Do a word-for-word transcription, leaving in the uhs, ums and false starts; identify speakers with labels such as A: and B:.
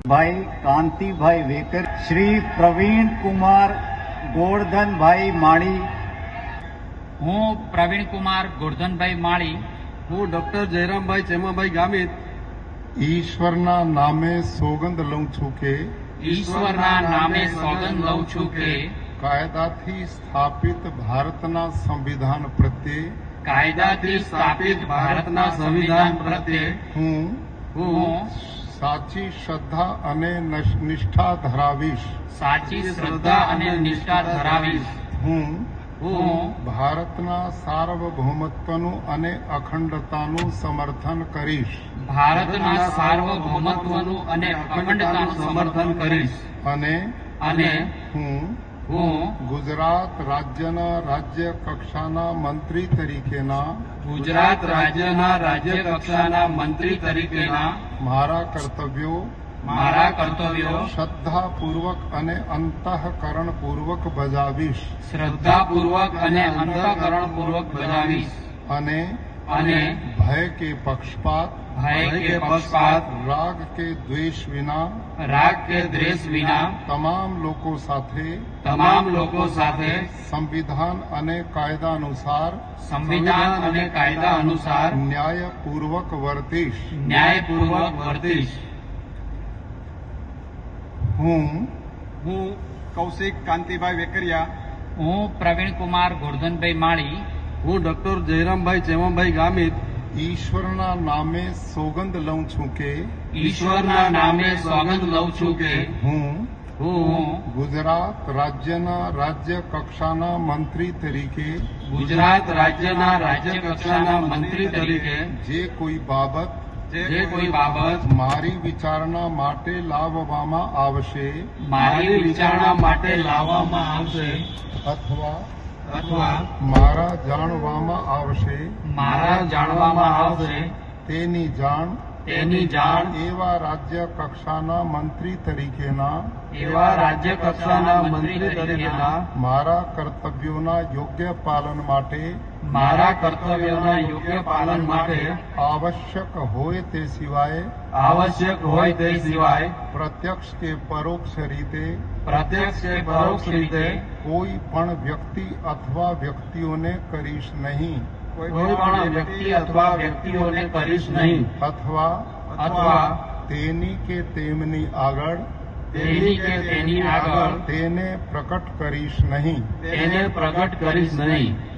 A: ભાઈ કાંતિભાઈ વેકર, શ્રી પ્રવીણ કુમાર ગોરધનભાઈ માળી,
B: હું પ્રવીણ કુમાર ગોરધનભાઈ માળી,
C: હું ડોક્ટર જયરામભાઈ ચેમાભાઈ ગામિત
D: ઈશ્વરના નામે સોગંદ લઉં છું કે
B: ઈશ્વરના નામે સોગંદ લઉં છું કે
D: કાયદાથી સ્થાપિત ભારતના સંવિધાન પ્રત્યે
B: કાયદાથી સ્થાપિત ભારતના સંવિધાન પ્રત્યે
D: હું
B: હું
D: સાચી શ્રદ્ધા અને નિષ્ઠા ધરાવીશ.
B: સાચી શ્રદ્ધા અને નિષ્ઠા ધરાવીશ.
D: હું
B: હું
D: ભારતના સાર્વભૌમત્વનું અને અખંડતાનું સમર્થન કરીશ.
B: ભારતના સાર્વભૌમત્વનું અને અખંડતાનું સમર્થન કરીશ.
D: અને
B: અને
D: હું
B: હું
D: ગુજરાત રાજ્યના રાજ્ય કક્ષાના મંત્રી તરીકેના
B: ગુજરાત રાજ્યના રાજ્ય કક્ષાના મંત્રી તરીકેના
D: મારા કર્તવ્યો
B: મારા કર્તવ્યો
D: શ્રદ્ધાપૂર્વક અને અંતઃકરણપૂર્વક બજાવીશ.
B: શ્રદ્ધાપૂર્વક અને અંતઃકરણપૂર્વક બજાવીશ.
D: અને
B: અને
D: ભય કે પક્ષપાત
B: ભય કે પક્ષપાત
D: રાગ કે દ્વેષ વિના
B: રાગ કે દ્વેષ વિના
D: તમામ લોકો સાથે
B: તમામ લોકો સાથે
D: સંવિધાન અને કાયદા અનુસાર
B: સંવિધાન અને કાયદા અનુસાર
D: ન્યાયપૂર્વક વર્તીશ.
B: ન્યાયપૂર્વક વર્તીશ.
D: હું
C: હું કૌશિક કાંતિભાઈ વેકરિયા,
B: હું પ્રવીણ કુમાર ગોરધનભાઈ માળી,
C: હું ડોક્ટર જયરામભાઈ ચેમાભાઈ ગામિત
D: ઈશ્વરના નામે સોગંદ લઉં છું કે
B: ઈશ્વરના નામે સોગંદ લઉં છું કે
D: હું
B: હું
D: ગુજરાત રાજ્યના રાજ્ય કક્ષાના મંત્રી તરીકે
B: ગુજરાત રાજ્યના રાજ્ય કક્ષાના મંત્રી તરીકે
D: જે કોઈ બાબત
B: જે કોઈ બાબત
D: મારી વિચારણા માટે લાવવામાં આવશે
B: મારી વિચારણા માટે લાવવામાં આવશે
D: અથવા
B: અથવા
D: મારા જાણવામાં આવશે
B: મારા જાણવામાં આવશે
D: તેની જાણ
B: તેની જાણ
D: એવા રાજ્ય કક્ષાના મંત્રી તરીકેના
B: એવા રાજ્ય કક્ષાના મંત્રી તરીકેના
D: મારા કર્તવ્યોના યોગ્ય પાલન માટે
B: મારા કર્તવ્યોના યોગ્ય પાલન માટે
D: આવશ્યક હોય તે સિવાય
B: આવશ્યક હોય તે સિવાય
D: પ્રત્યક્ષ કે પરોક્ષ રીતે
B: પ્રત્યક્ષ કે પરોક્ષ રીતે
D: કોઈ પણ વ્યક્તિ અથવા વ્યક્તિઓને કરીશ નહીં
B: કોઈ પણ વ્યક્તિ અથવા વ્યક્તિઓને કરીશ નહીં
D: અથવા
B: અથવા
D: તેની કે તેમની આગળ
B: તેની કે તેની આગળ
D: તેને પ્રકટ કરીશ નહીં.
B: તેને પ્રગટ કરીશ નહીં.